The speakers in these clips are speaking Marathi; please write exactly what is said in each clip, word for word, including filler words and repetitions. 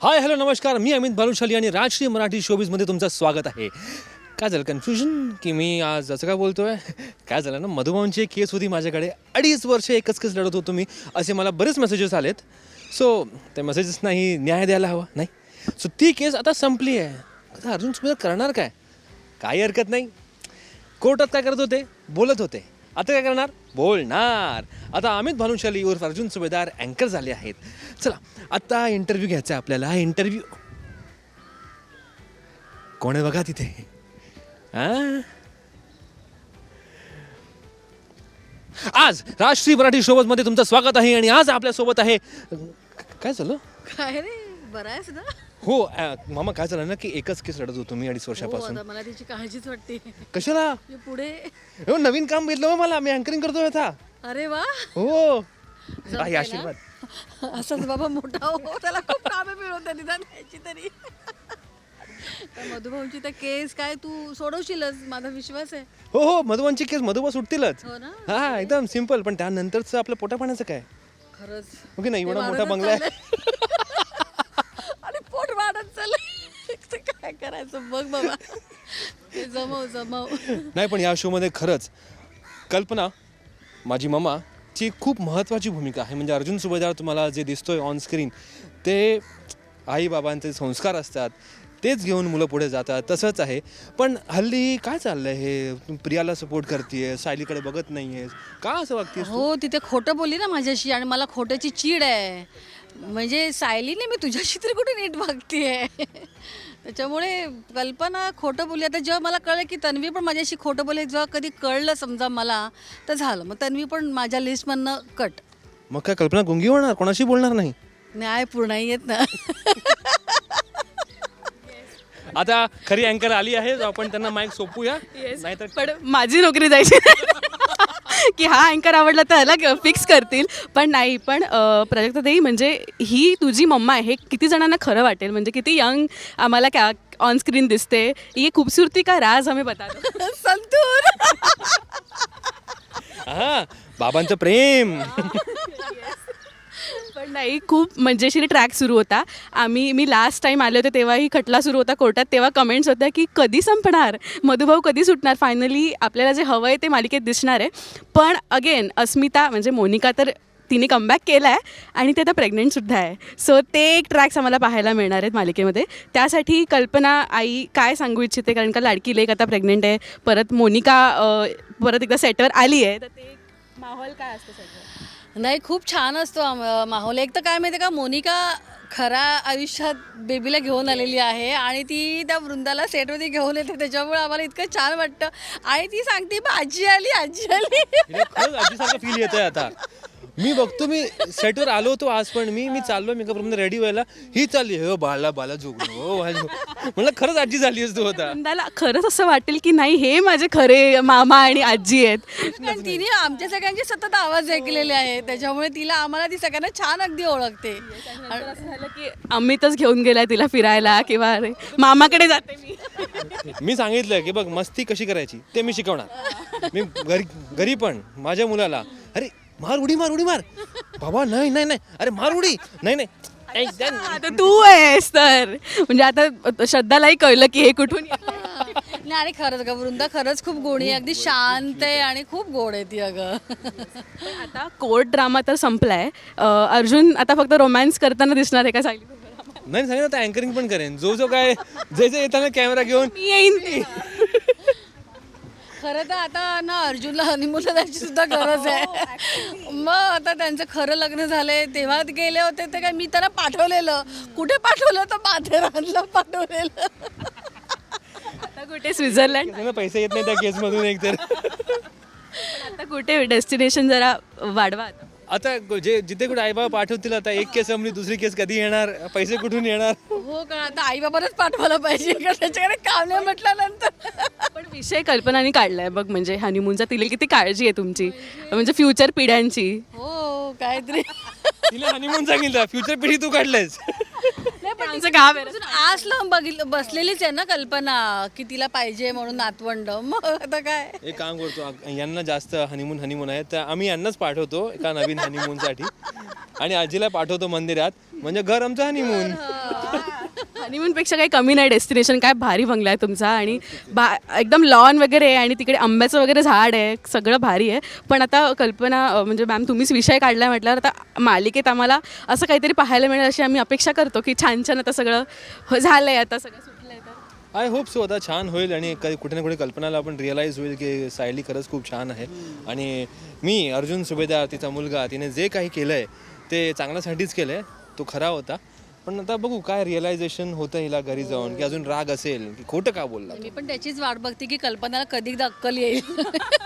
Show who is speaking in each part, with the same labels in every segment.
Speaker 1: हाय हॅलो नमस्कार, मी अमित भानुशाली आणि राजश्री मराठी शोबीजमध्ये तुमचं स्वागत आहे. काय झालं कन्फ्युजन की मी आज असं काय बोलतोय? काय झालं ना, मधुभाऊंची एक केस होती माझ्याकडे. अडीच वर्ष एकच केस लढत होतो मी, असे मला बरेच मेसेजेस आलेत. सो त्या मेसेजेसनाही न्याय द्यायला हवा नाही. सो ती केस आता संपली आहे. आता अर्जुन सुबेदार करणार काय? काही हरकत नाही. कोर्टात काय करत होते? बोलत होते. आता काय करणार? बोलणार. आता अमित भानुशाली उर्फ अर्जुन सुबेदार अँकर झाले आहेत. चला आता इंटरव्ह्यू घ्यायचा आहे आपल्याला. इंटरव्ह्यू कोण आहे बघा तिथे. हां आज राष्ट्रीय मराठी शोबजमध्ये तुमचं स्वागत आहे. आणि आज आपल्यासोबत आहे, काय झालं?
Speaker 2: काय रे, बरं आहेस ना?
Speaker 1: हो अ, मामा काय झालं ना की एकच केस लढत होतो मी अडीच
Speaker 2: हो,
Speaker 1: वर्षापासून.
Speaker 2: आता मला तिची काळजीच वाटते.
Speaker 1: कशाला?
Speaker 2: मी पुढे.
Speaker 1: हो नवीन काम भेटलं हो मला. मी अँकरिंग करतोय आता.
Speaker 2: अरे वा,
Speaker 1: हो
Speaker 2: जमतंय
Speaker 1: काही
Speaker 2: ना?
Speaker 1: आशीर्वाद.
Speaker 2: असंच बाबा मोठा हो, त्याला खूप कामे मिळवतात निदान याची तरी. तर मधुभाऊंची तर केस काय तू सोडवशीलच, माझा विश्वास आहे.
Speaker 1: हो हो मधुबांची केस मधुबा सुटतीलच.
Speaker 2: हो ना?
Speaker 1: हा एकदम सिम्पल. पण त्यानंतरचं आपलं पोटा पाण्याचं काय?
Speaker 2: खरंच.
Speaker 1: ओके नाही,
Speaker 2: ते
Speaker 1: एवढा मोठा
Speaker 2: वाढतच
Speaker 1: बंगला आहे.
Speaker 2: चाललंय. आणि पोट वाढत चाललंय. तर काय करायचं बघ बाबा. ते जमव जमव.
Speaker 1: नाही पण या शोमध्ये खरंच कल्पना माझी मम्मा ची खूप महत्त्वाची भूमिका आहे. म्हणजे अर्जुन सुबेदार तुम्हाला जे दिसतोय ऑन स्क्रीन ते आईबाबांचे संस्कार असतात, तेच घेऊन मुलं पुढे जातात. तसंच आहे. पण हल्ली काय चाललंय हे? प्रियाला सपोर्ट करतेय, सायलीकडे बघत नाहीयेस का? असं वागतेस तू?
Speaker 2: हो, तिथे खोटं बोलली ना माझ्याशी आणि मला खोट्याची चीड आहे. म्हणजे सायलीने मी तुझ्याशी तरी कुठे नीट वागतेय. त्याच्यामुळे कल्पना खोटं बोलली. आता जेव्हा मला कळलं की तन्वी पण माझ्याशी खोटं बोलली, जेव्हा कधी कळलं समजा मला, तर झालं. मग तन्वी पण माझ्या लिस्टमधनं कट.
Speaker 1: मग काय कल्पना गुंगी होणार? कोणाशी बोलणार नाही?
Speaker 2: न्याय पूर्ण येत ना.
Speaker 1: आता खरी अँकर आली आहे, आपण त्यांना माईक सोपूया. नाहीतर
Speaker 3: पण माझी नोकरी जायची की हा अँकर आवडला तर ह्याला फिक्स करतील. पण नाही, पण प्राजक्ताताई म्हणजे ही तुझी मम्मा आहे हे किती जणांना खरं वाटेल. म्हणजे किती यंग आम्हाला क्या ऑन स्क्रीन दिसते. ये खूबसूरती का राज हमें बता दो.
Speaker 2: संतूर.
Speaker 1: हा बाबांचं प्रेम.
Speaker 3: पण नाही, खूप मजेशीर ट्रॅक सुरू होता. आम्ही मी लास्ट टाईम आले होते तेव्हाही खटला सुरू होता कोर्टात. तेव्हा कमेंट्स होत्या की कधी संपणार, मधुभाऊ कधी सुटणार. फायनली आपल्याला जे हवं आहे ते मालिकेत दिसणार आहे. पण अगेन अस्मिता म्हणजे मोनिका तर तिने कमबॅक केला आहे आणि ते आता प्रेग्नेंटसुद्धा आहे. सो ते एक ट्रॅक्स आम्हाला पाहायला मिळणार आहेत मालिकेमध्ये. त्यासाठी कल्पना आई काय सांगू इच्छिते, कारण का लाडकी लेक आता प्रेग्नेंट आहे. परत मोनिका अ, परत एकदा सेटवर आली आहे. तर ते माहोल काय असतं सगळं?
Speaker 2: नाही, खूप छान असतो आम- माहोल. एक तर काय माहिती आहे का, मोनिका खऱ्या आयुष्यात बेबीला घेऊन आलेली आहे आणि ती त्या वृंदाला सेटमध्ये घेऊन येते. त्याच्यामुळे आम्हाला इतकं छान वाटतं. आणि ती सांगते "बा, आजी आली आजी आली."
Speaker 1: हिला खरंच आजीसारखं फील येतंय आता. मी बघतो, मी सेटवर आलो होतो आज, पण मी मी चाललो मेकअप रूममध्ये रेडी व्हायला, ही चालली हो बाळा बाला झोपणं हो बाळा झोप. म्हणलं खरंच आजी झाली असतो होता.
Speaker 3: वृंदाला खरंच असं वाटेल की नाही हे माझे खरे मामा आणि आजी आहेत.
Speaker 2: कारण तिने आमच्या सगळ्यांचे सतत आवाज ऐकलेले आहे. त्याच्यामुळे तिला आम्हाला ती सगळ्यांना छान अगदी ओळखते.
Speaker 3: नंतर असं झालं की अमितच घेऊन गेलाय तिला फिरायला किंवा अरे मामाकडे जाते मी.
Speaker 1: मी सांगितलं की बघ मस्ती कशी करायची ते मी शिकवणार. मी घरी घरी पण माझ्या मुलाला अरे मार उडी मार उडी मार बाबा, नाही नाही नाही, अरे मार उडी नाही नाही.
Speaker 3: आता तू आहेस तर म्हणजे आता श्रद्धालाही कळलं की हे कुठून येतंय.
Speaker 2: नाही, आणि खरंच ग वृंदा खरंच खूप गोडी आहे. अगदी शांत आहे आणि खूप गोड आहे ती अगं.
Speaker 3: पण आता कोर्ट ड्रामा तर संपलाय. अं, अर्जुन आता फक्त रोमॅन्स करताना दिसणार आहे का सायली?
Speaker 1: नाही सांगितलं आता अँकरिंग पण करेन. जो जो काय जे जे येताना कॅमेरा घेऊन
Speaker 3: मी येईन.
Speaker 2: खरं तर आता ना अर्जुनला हनीमूनला जायची सुद्धा गरज आहे. मग आता त्यांचं खरं लग्न झालंय तेव्हा गेले होते ते काय मी त्यांना पाठवलेलं. कुठे पाठवलं तर माथेरानला पाठवलेलं.
Speaker 3: आता कुठे स्वित्झर्लंड,
Speaker 1: त्यांना पैसे येत नाही त्या केसमधून एक तर.
Speaker 3: आता कुठे डेस्टिनेशन जरा वाढवा आता.
Speaker 1: आता जे जिथे कुठे आई बाबा पाठवतील, आता एक केस संपली दुसरी केस कधी येणार, पैसे कुठून येणार?
Speaker 2: हो का, आता आई बाबालाच पाठवायला पाहिजे का त्याच्याकडे काम नाही म्हटल्यानंतर.
Speaker 3: पण विषय कल्पनाने काढलाय बघ. म्हणजे हनीमूनचा तिला किती काळजी आहे तुमची, म्हणजे फ्युचर पिढ्यांची.
Speaker 2: हो काहीतरी.
Speaker 1: तिला हनीमून सांगितलं, फ्युचर पिढी तू काढलंयस.
Speaker 2: नाही पण
Speaker 3: आमचं गाव आहे.
Speaker 2: अजून आज लावून बघितलं बसलेलीच आहे ना कल्पना की तिला पाहिजे म्हणून नातवंड. मग आता काय.
Speaker 1: एक काम करतो, यांना जास्त हनीमून हनीमून आहे तर आम्ही यांनाच पाठवतो एका नवीन हनीमूनसाठी आणि आजीला पाठवतो मंदिरात, म्हणजे घर आमचं हनीमून.
Speaker 3: हनीमूनपेक्षा काही कमी नाही डेस्टिनेशन. काय भारी बंगला आहे तुमचा आणि बा एकदम लॉन वगैरे आहे आणि तिकडे आंब्याचं वगैरे झाड आहे, सगळं भारी आहे. पण आता कल्पना अ, म्हणजे मॅम तुम्हीच विषय काढला म्हटल्यावर आता मालिकेत आम्हाला असं काहीतरी पाहायला मिळेल अशी आम्ही अपेक्षा करतो की छान छान आता सगळं हो- झालंय, आता सगळं सुटलंय. तर
Speaker 1: आय होप सो आता छान होईल आणि क- कुठे ना कुठे कल्पनाला आपण रिअलाईज होईल की सायली खरंच खूप छान आहे. आणि मी अर्जुन सुभेदार तिचा मुलगा तिने जे काही केलं आहे ते चांगल्यासाठीच केलं आहे, तो खरा होता. पण आता बघू काय रिअलायझेशन होतं हिला घरी जाऊन, की अजून राग असेल की खोटं का बोलला.
Speaker 2: मी पण त्याचीच वाट बघते की कल्पनाला कधी अक्कल येईल.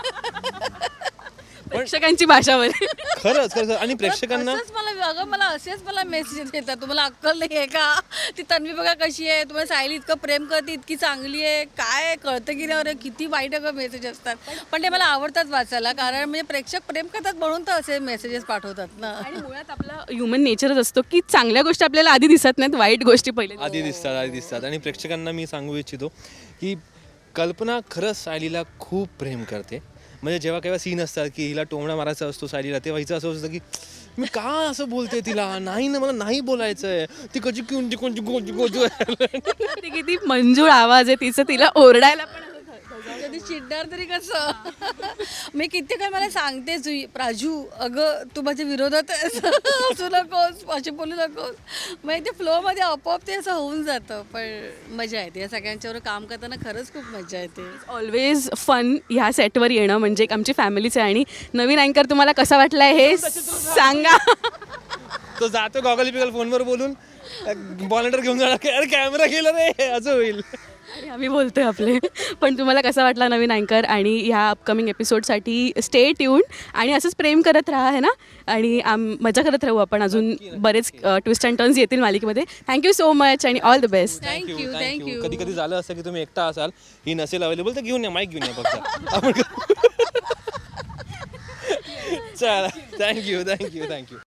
Speaker 3: प्रेक्षकांची भाषावर
Speaker 1: खरंच खरंच आणि प्रेक्षकांना
Speaker 2: असंच मला अगं मला असेच मला मेसेज येतात, तुम्हाला अक्कल नाही आहे का, ती तन्वी बघा कशी आहे, तुम्हाला सायली इतकं प्रेम करते, इतकी चांगली आहे, काय कळतं की नाही, अरे किती वाईट अगं मेसेज असतात. पण ते मला आवडतात वाचायला, कारण म्हणजे प्रेक्षक प्रेम करतात म्हणून तर असे मेसेजेस पाठवतात ना.
Speaker 3: आणि मुळात आपला ह्युमन नेचरच असतो की चांगल्या गोष्टी आपल्याला आधी दिसत नाहीत, वाईट गोष्टी पहिले
Speaker 1: आधी दिसतात आधी दिसतात आणि प्रेक्षकांना मी सांगू इच्छितो की कल्पना खरंच सायलीला खूप प्रेम करते. म्हणजे जेव्हा केव्हा सीन असतात की हिला टोमणा मारायचा असतो सायलीला, तेव्हा हिचं असं असतं की मी का असं बोलते तिला, नाही ना मला नाही बोलायचं आहे, ती कशी कोणती कोणती कोणती कोणती
Speaker 3: ती किती मंजूळ आवाज आहे तिचं, तिला ओरडायला पण
Speaker 2: कधी चिडणार तरी कसं. मी किती काय मला सांगतेच प्राजू, अगं तू माझ्या विरोधात आहेस, असू नकोस, असे बोलू नकोस. मग ते फ्लोमध्ये आपोआप ते असं होऊन जातं. पण मजा येते या सगळ्यांच्यावर काम करताना, खरंच खूप मजा येते.
Speaker 3: ऑलवेज फन ह्या सेटवर येणं म्हणजे एक आमची फॅमिलीच आहे. आणि नवीन अँकर तुम्हाला कसा वाटलाय हे सांगा.
Speaker 1: तो जातो गॉगल पिगल फोनवर बोलून बॉलेटर घेऊन जाणार, अरे कॅमेरा गेला रे, असं होईल.
Speaker 3: आणि आम्ही बोलतोय आपले. पण तुम्हाला कसा वाटला नवीन अँकर, आणि ह्या अपकमिंग एपिसोडसाठी स्टे ट्यून आणि असंच प्रेम करत राहा है ना. आणि आम मजा करत राहू आपण, अजून बरेच ट्विस्ट अँड टर्न्स येतील मालिकेमध्ये. थँक्यू सो मच आणि all the best.
Speaker 2: Thank you thank you.
Speaker 1: कधी कधी झालं असं की तुम्ही एकटा असाल, ही नसेल अवेलेबल, तर घेऊन या, माईक घेऊन या फक्त आपण. चला थँक्यू थँक्यू थँक्यू.